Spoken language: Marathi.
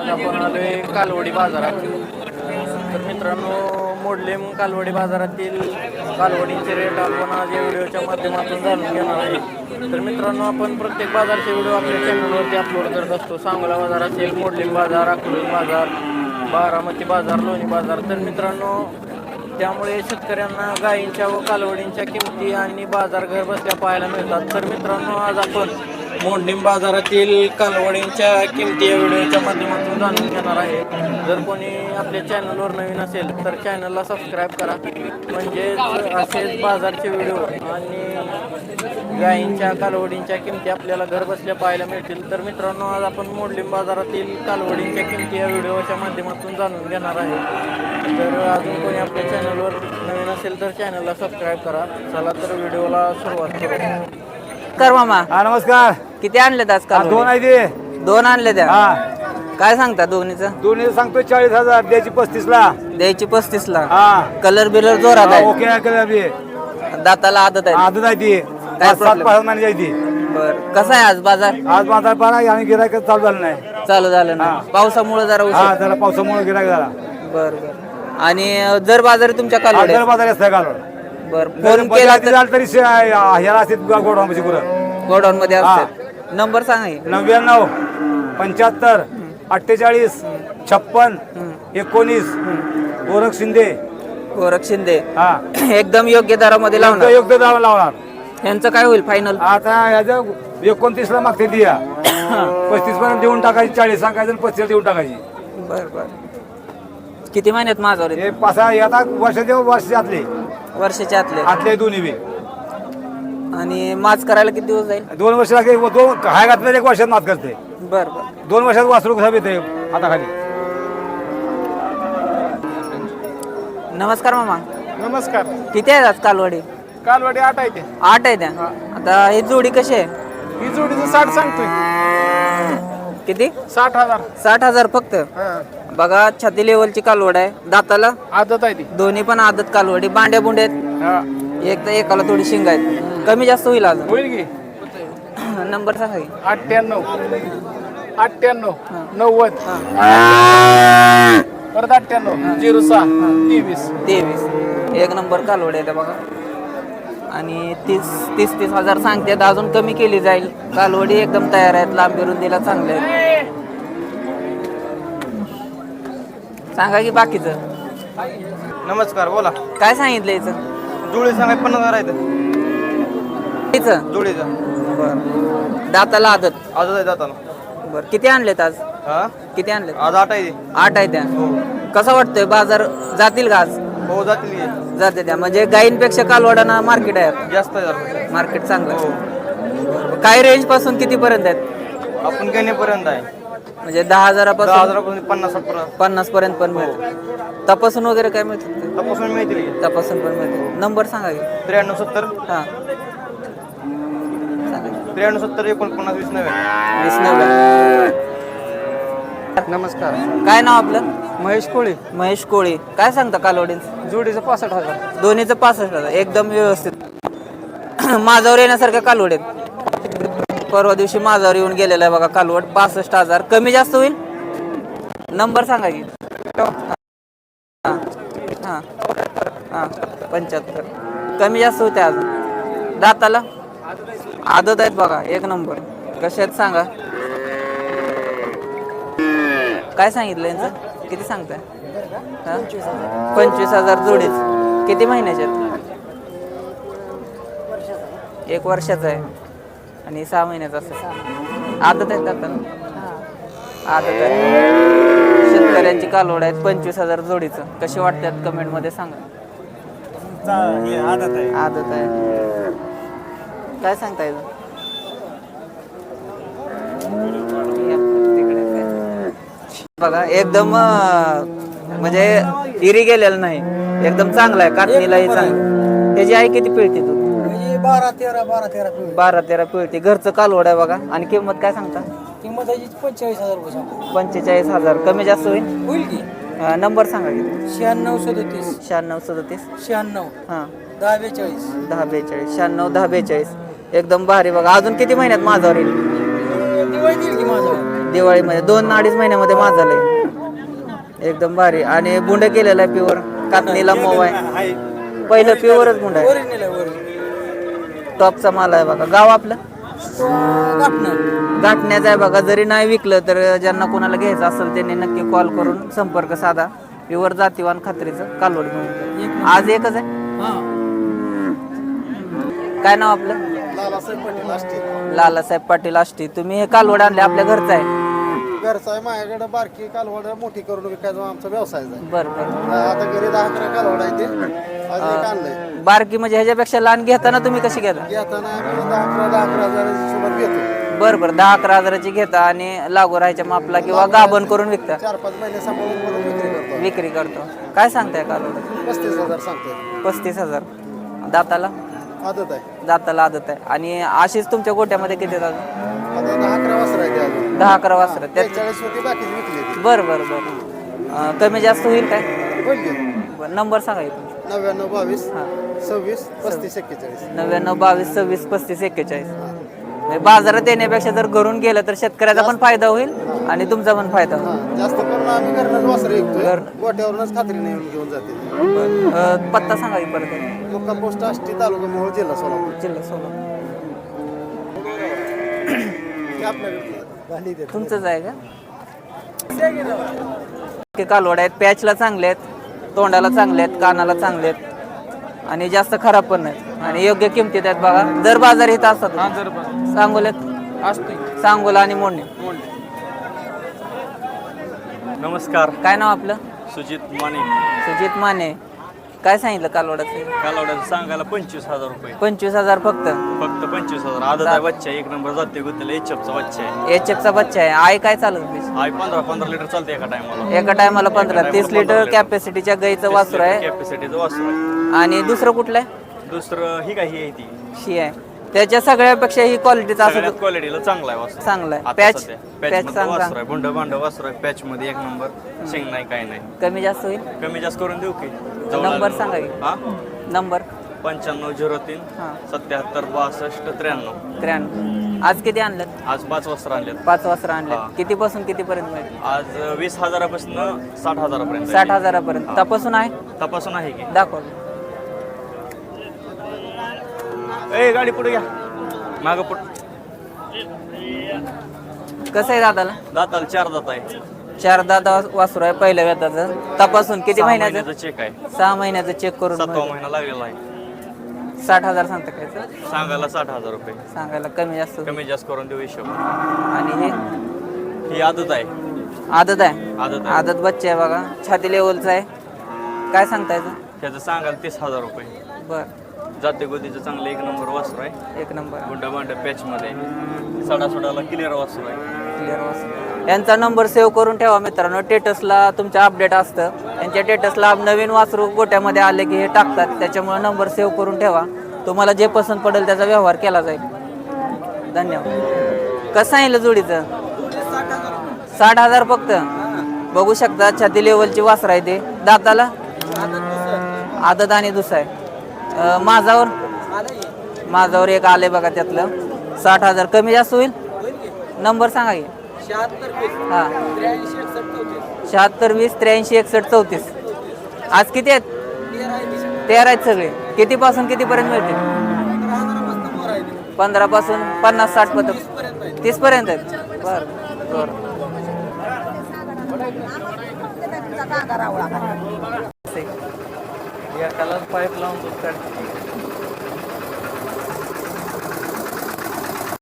आज आपण आलोय कालवडी बाजारात. तर मित्रांनो, मोडलेम कालवडी बाजारातील कालवडींचे रेट आपण आज या व्हिडिओच्या माध्यमातून जाणून घेणार आहे. तर मित्रांनो, आपण प्रत्येक बाजारचे व्हिडिओ आपल्या चॅनलवरती अपलोड करत असतो. सांगोला बाजार असेल, मोडलेम बाजार, अकलूज बाजार, बारामती बाजार, लोणी बाजार. तर मित्रांनो, त्यामुळे शेतकऱ्यांना गायींच्या व कालवडींच्या किमती आणि बाजार घर बसल्या पाहायला मिळतात. तर मित्रांनो, आज आपण मोडलीम बाजारातील कालवडींच्या किमती या व्हिडिओच्या माध्यमातून जाणून घेणार आहे. जर कोणी आपल्या चॅनलवर नवीन असेल तर चॅनलला सबस्क्राईब करा, म्हणजेच असेच बाजारचे व्हिडिओ आणि गायींच्या कालवडींच्या किमती आपल्याला घर बसल्या पाहायला मिळतील. तर मित्रांनो, आज आपण मोडलीम बाजारातील कालवडींच्या किमती या व्हिडिओच्या माध्यमातून जाणून घेणार आहे. जर अजून कोणी आपल्या चॅनलवर नवीन असेल तर चॅनलला सबस्क्राईब करा. चला तर व्हिडिओला सुरुवात करू. कर मामा, हा नमस्कार. किती आणलेत आज काल? दोन आहे ते. दोन आणले त्या. हा काय सांगता दोन्हीचं? दोन्ही सांगतो 40,000, द्यायची 35 ला. द्यायची 35 ला. हा कलर बिलर जोरात आहे. ओके आहे कलर बी. दाताला आदत आहे. आदत आहे ती. काय 7-5 महिने जायची. बर, कसा आहे आज बाजार? आज बाजार पारा आणि गिरायक चालू झालं नाही. चालू झालं ना, पावसामुळे जरा हा उशीर. जरा पावसामुळे गिरायक झाला. बर बर. आणि जर बाजार तुमच्या आज काल जर बाजार असतं काल बर, फोन केला तर झालं तरी ह्याला असते गोडाऊनपाशी पुरं गोडाऊन मध्ये असतात. नंबर सांगा की. 99 75 48 56 19. गोरख शिंदे. गोरख शिंदे. हा एकदम योग्य दरामध्ये लावणार. योग्य दावा लावणार. यांचं काय होईल फायनल? आता याच्या 29 ला मागते ती 35 पर्यंत देऊन टाकायची. 40 सांगायचं आणि 35 देऊन टाकायची. बर बर. किती महिन्यात माझ्यावर हे पासा आता वर्षाचे वर्षाच्या आतले आतले दोन्ही बी. आणि माच करायला किती दिवस जाईल? 2 वर्ष लागते. दोन हाय घातलं 1 वर्षात मात करते. बर बर. 2 वर्षात वासरू कसं येते आता खाली. नमस्कार मामा, नमस्कार. किती आहेत आज कालवडी? कालवाडी 8 आहे ते. 8 आहे त्या. आता ही जोडी कशी आहे? ही जोडीचं 60 सांगतोय. किती? 60,000. 60,000 फक्त. बघा, छाती लेवलची कालवड आहे. दाताला आदत आहे ती. दोन्ही पण आदत कालवडी. बांड्या बुंड्या आहेत. हा. एक तर एकाला थोडी शिंग आहेत. कमी जास्त होईल अजून. होईल की. नंबर सांगा की. 98 98 90 परत 98 06 23. 23. एक नंबर कालवड आहे त्या बघा. आणि 30 हजार सांगतात. अजून कमी केली जाईल. कालवडी एकदम तयार आहेत. लांबी रुंदीला चांगले आहेत. सांगा की बाकीचं. नमस्कार, बोला. काय सांगितलं याचं? जुळे सांगाय 50,000 आहेत. याचं? जुळेचा बरं. दाताला आदत. आजच आहे जाताना. बरं, किती आणलेत आज? हा किती आणलेत? आज 8 आहे. 8 आहे त्या. कसा वाटतोय बाजार? जातील का आज? हो जातील की. जाते त्या. म्हणजे गायींपेक्षा कालवडांना मार्केट आहे आता. जास्त आहे जरा. मार्केट चांगलं हो आहे. काय रेंज पासून किती पर्यंत आहेत? आपण घेण्यापर्यंत आहे. म्हणजे 10,000 10,000 50 पर्यंत 50 पर्यंत पण मिळते. तपासून वगैरे काय मिळतं? तपासून मिळतील की. तपासून पण मिळते. नंबर सांगा की. 93 70 हां, सांगा की. 93 70 49 20 90. 20 नमस्कार. काय नाव आपलं? महेश कोळी. महेश कोळी. काय सांगता कालवडींचं? जोडीचं 65,000. दोन्हीचं 65,000. एकदम व्यवस्थित. माझ्यावर येण्यासारख्या कालवड आहेत. परवा दिवशी माझ्यावर येऊन गेलेला आहे बघा कालवड. 65,000. कमी जास्त होईल? नंबर सांगा की. हां हां हां 75. कमी जास्त होते अजून. दाताला आदत आहेत बघा. एक नंबर. कसे आहेत सांगा. काय सांगितलं यांचं? किती सांगताय? 25,000 जोडीच. किती महिन्याचे आहेत? 1 वर्षाचा आहे आणि 6 महिन्याचा असेल. आदत आहेत दाताला. आदत आहे. शेतकऱ्यांची कालवड आहेत. 25,000 जोडीचं. कशी वाटतात कमेंटमध्ये सांगा. आदत आहे. काय सांगता येतं? बघा, एकदम म्हणजे इरी गेलेलं नाही. एकदम चांगला आहे. कातणीलाही चांगलं. त्याची आई किती पिळते तू? 12-13 पिळते. घरचं कालवड आहे बघा. आणि किंमत काय सांगता? किंमत 45,000 रुपये. 45,000. कमी जास्त होईल की. नंबर सांगा की. 96 37 96 37 96 हां 10 42. 10 42. 96 10 42. एकदम भारी बघा. अजून किती महिन्यात माझ्यावर येईल? दिवाळी देईल की माझं. दिवाळीमध्ये 2-2.5 महिन्यामध्ये माझं झालंय एकदम भारी. आणि बुंड केलेला आहे प्युअर, कातणीला मोव आहे. पहिलं प्युअरच बुंड आहे, ओरिजिनल आहे ओरिजिनल. टॉपचा माल आहे बघा. गाव आपलं गाठणं. गाठण्याचं आहे बघा. जरी नाही विकलं तर ज्यांना कोणाला घ्यायचं असेल त्यांनी नक्की कॉल करून संपर्क साधा. प्युअर जातीवान खात्रीचं कालवड मिळून आज एकच आहे. हां. काय नाव आपलं? लालासाहेब पाटील आष्टी. तुम्ही हे कालवड आणले आपल्या घरचं आहे? घरचा आहे माझ्याकडे. बारकी कालवड मोठी करून विकायचा आमचा व्यवसाय आहे. बरं बरं. आता घरी 10-11 कालवड आहे ते आज एक आणलंय. बारकी म्हणजे ह्याच्यापेक्षा लहान घेताना तुम्ही कशी घेता? घेताना आम्ही 10-11 हजाराची सोबत घेतो. बरं बरं. 10-11 हजाराची घेता आणि लागू राहायच्या मापला किंवा गाभण करून विकता? 4-5 महिने सांभाळून करून विक्री करतो. विक्री करतो. काय सांगताय कालवड? 35,000 सांगतोय. 35,000. दाताला? आदत आहे. दाताला आदत आहे. आणि अशीच तुमच्या गोट्यामध्ये किती आहेत अजून? आता 10-11 वासर आहे ते अजून. 10-11 वासरं त्यात? 40 होती बाकीची विकली ती. बरं बरं बरं. कमी जास्त होईल काय? बोल घे. बरं, नंबर सांगा की तुमचा. 99-22 हां. 26-35-41. 99-22-26-35-41. म्हणजे बाजारात येण्यापेक्षा जर घरून गेलं तर शेतकऱ्याचा पण फायदा होईल आणि तुमचा पण फायदा होईल. हां, जास्त करून आम्ही घरनंच वासर विकतोय. गोट्यावरूनच खात्रीने येऊन घेऊन जाते. पत्ता सांगा की परत. मुक्काम पोस्ट आष्टी, तालुका मोहोळ, जिल्हा सोलापूर. जिल्हा सोलापूर. ते आपल्याकडे गाडी देतो. तुमचंच आहे का? ते कालवड आहेत, पॅचला चांगले आहेत, तोंडाला चांगले आहेत, कानाला चांगले आहेत आणि जास्त खराब पण नाहीत आणि योग्य किमतीत आहेत बघा. दर बाजार इथं असतात. सांगोल्यात सांगोला आणि मोडणे. नमस्कार, काय नाव आपलं? सुजित माने. सुजित माने. काय सांगितलं कालवडाचं? कालवड्याचं सांगायला 25,000 रुपये. 25,000 फक्त? फक्त 25,000. आदत आहे बच्चा, एक नंबर जाते गुत्तेला एचएफचा बच्चा आहे. एचएफचा बच्चा आहे. आई काय चालत? आई 15 लिटर चालते एका टायमाला. एका टायमाला 15-30 लिटर कॅपॅसिटीच्या गाईचं वासर आहे. कॅपॅसिटीचं वासर आहे. आणि दुसरं कुठलं आहे? दुसरं ही काही आहे ती शी आहे. त्याच्या सगळ्यापेक्षा ही क्वालिटीचा असं सगळ्यात क्वालिटीला चांगला आहे वासर. चांगला आहे. आता पॅच सध्या पॅच पॅच मध्ये वासर चांगला. आहे, भुंड भांड वासर आहे. पॅच मध्ये एक नंबर. शेंग नाही काय नाही. कमी जास्त होईल? कमी जास्त करून देऊ की? नंबर सांगा की. हा, नंबर 9503 हां. 77 62 93. 93. आज किती आणलं? आज 5 वासर आणलेत. 5 वासरं आणले. हां. कितीपासून कितीपर्यंत मिळेल? आज 20,000पासून 60,000पर्यंत. 60,000पर्यंत. हां. तपासून आहे? तपासून आहे की? दाखव. ए गाडी पुढे घ्या, माग पुढ. कसं आहे दादाला? दाताला 4 दात आहे. 4 दादा वासरू आहे पहिल्या वेताचं. तपासून किती 6 महिन्याचं? महिन्याचा चेक आहे. 6 महिन्याचं चेक करून 7वा मिळेल. महिना लागलेला आहे. 60,000 सांगता काय? सांगायला 60,000 रुपये. सांगायला कमी जास्त होईल. कमी जास्त करून देऊ हिशोब. आणि हे ही आदत आहे. आदत आहे? आदत आहे. आदत बच्चे आहे बघा, छाती लेवलचं आहे. काय सांगता याचं? त्याचं सांगायला 30,000 रुपये. बरं, जाते गोदीचं चांगलं एक नंबर वासर आहे. 1 नंबर. गुंडा भांड पॅच मध्ये सडासोडाला क्लिअर वासर आहे. क्लिअर वासरू. यांचा नंबर सेव्ह करून ठेवा मित्रांनो. टेटसला तुमच्या अपडेट असतं. यांच्या टेटसला नवीन वासरू गोट्यामध्ये आले की हे टाकतात, त्याच्यामुळे नंबर सेव्ह करून ठेवा. तुम्हाला जे पसंत पडेल त्याचा व्यवहार केला जाईल. धन्यवाद. कसं सांगितलं जोडीचं? 60,000 फक्त. बघू शकता छाती लेवलची वासर आहे ते. दाताला आदत आणि दुसरा आहे. माझावर एक आले बघा त्यातलं. 60,000 कमी जास्त होईल? नंबर सांगा की. 76 20 83 61 34. आज किती आहेत? 13 आहेत सगळे. कितीपासून कितीपर्यंत मिळतील? 15 पासून 50 60 पर्यंत 30 पर्यंत आहेत. बरं बरं. एकालाच पाईप लावून दूध काढते.